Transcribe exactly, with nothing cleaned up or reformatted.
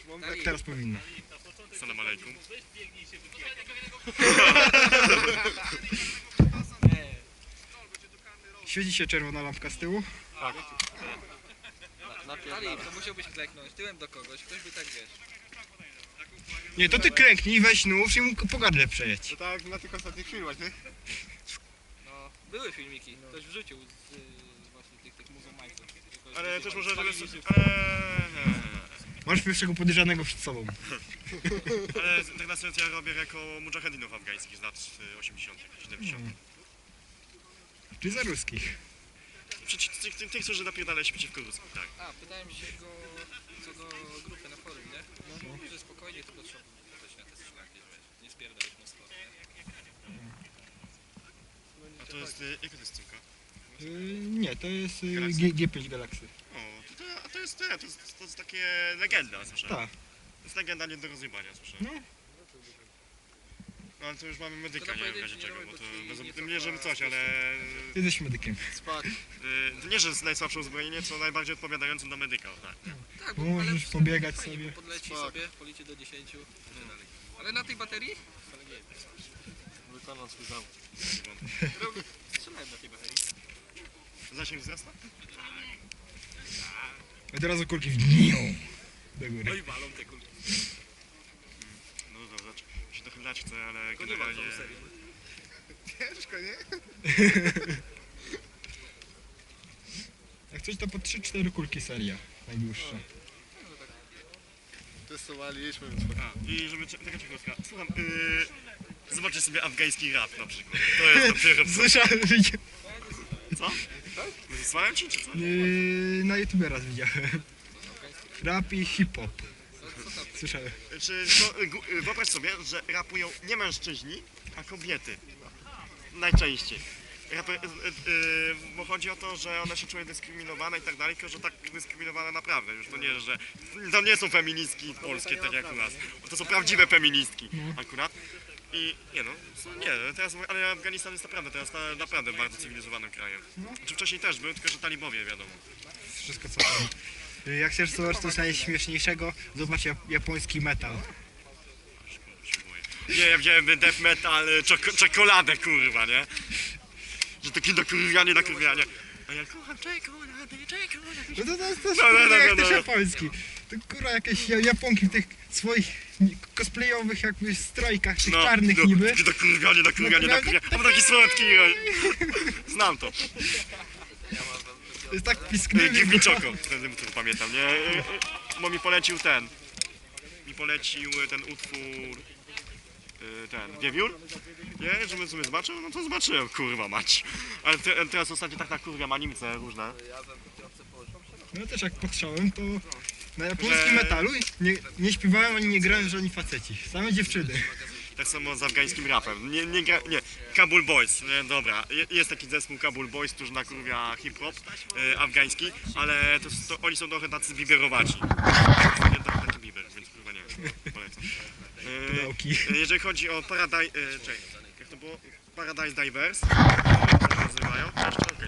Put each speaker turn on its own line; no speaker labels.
Tak teraz powinno.
Salam alejkum.
Świeci się czerwona lampka z tyłu.
Tak.
Ali, to musiałbyś kleknąć tyłem do kogoś, ktoś by tak wiesz.
Nie, to ty klęknij, weź nóż i mu po gardle przejedź.
To tak na tych ostatnich filmach, nie?
No, były filmiki, ktoś wrzucił z, y, właśnie tych, tych muzułmańców.
Ale też może...
Ale,
Masz pierwszego podejrzanego przed sobą.
ale tak na serio ja robię jako mujahedinów afgańskich z lat osiemdziesiątych, siedemdziesiątych.
Czy za ruskich?
Przeciw tych, tych, tych, którzy napierdalają się przeciwko Ruskom, tak.
A, pytałem się go co do grupy na forum, nie? No. Że spokojnie, tylko trzeba też na te szlaki, wiesz, nie spierdalać mocno, nie?
A to jest... y, Jaka to jest cynka?
Yy, nie, to jest yy,
Galaxy?
G- G pięć Galaxy.
O, to, to, a to jest te, to jest, to jest takie legenda, słyszę.
Tak.
To jest legenda nie do rozjebania, słyszę.
No.
No ale to już mamy medyka,
To
nie wiem w
pojedynczy
razie czego,
nie
bo to
robię, bo ci
bez,
nie
tym nie, żeby
cofa
coś, ale...
Ty jesteś medykiem.
Spak.
y, To nie, że jest najsłabsze uzbrojenie, co najbardziej odpowiadającym na medyka, tak.
Tak,
Bo
ale
możesz
w-
pobiegać
fajnie,
sobie.
Podleci
Spoko.
sobie, policzy do dziesięciu. Ale na tej baterii? Ale nie,
Wykonał swój zawód.
strzelałem na tej baterii.
Zasięg wzrasta?
Od razu kulki w dniu. Do góry.
No i walą te kulki.
No dobra, się trochę dać chcę, ale
Tylko nie ma
generalnie...
tą serię.
Ciężko, nie?
Jak coś to po trzy cztery kulki seria. Najdłuższa.
Testowaliśmy, więc
A, i żeby... Taka ciekawostka. Słucham, yy, zobaczcie sobie afgański rap na przykład. To jest dopiero co.
Słyszałem, widziałem.
Co? Wysłałem ci, czy co?
Yy, na YouTube raz widziałem. Rap i hip-hop. Słyszałem.
Czy to, y, gu- y, wyobraź sobie, że rapują nie mężczyźni, a kobiety. Najczęściej. Rapy, y, y, y, bo chodzi o to, że one się czują dyskryminowane i tak dalej, tylko że tak dyskryminowane naprawdę. Już to nie, że to nie są feministki polskie tak jak u nas. To są prawdziwe feministki akurat. I nie no, co- nie, teraz, ale Afganistan jest naprawdę teraz na, naprawdę bardzo cywilizowanym krajem. Czy wcześniej też był, tylko że talibowie wiadomo.
Wszystko co tam. Yy, Jak chcesz zobaczyć coś najśmieszniejszego, zobacz jap- japoński metal.
Się boję. Nie, ja wziąłem death metal, y, czoko, czekoladę kurwa, nie? Że takie nakurwianie, nakurwianie. A ja kocham czekoladę, czekoladę.
No to, to, to, to,
No, no, no,
jak
no,
też
no.
japoński. To kurwa jakieś ja- Japonki w tych swoich cosplayowych jakby strojkach, tych czarnych
no,
niby.
Takie nakurwianie, nakurwianie,
No,
nakurwianie. A bo taki słodki. no. Znam to.
To jest tak
Y,
piskliwy.
Give me choco. Wtedy to pamiętam, nie? Y, y, Bo mi polecił ten. Mi polecił ten utwór. y, Ten, Wiewiór. Nie, żebym sobie zobaczył, no to zobaczyłem, kurwa mać. Ale te, teraz ostatnio tak nakurwiam animce różne.
No też jak patrzałem to na japońskim
Że-
metalu nie, nie śpiewałem ani nie grałem żadni faceci. Same dziewczyny.
Tak samo z afgańskim rapem. Nie, nie, gra, nie. Kabul Boys, nie, dobra. Je- Jest taki zespół Kabul Boys, którzy nakurwia hip-hop e, afgański, ale to, to oni są trochę tacy biberowaci. Nie tak, taki biber, więc kurwa nie wiem, polecam. E,
Pedałki.
e, jeżeli chodzi o Paradise... E, czekaj, jak to było? Paradise Divers, e, to się nazywają. Jeszcze, okej.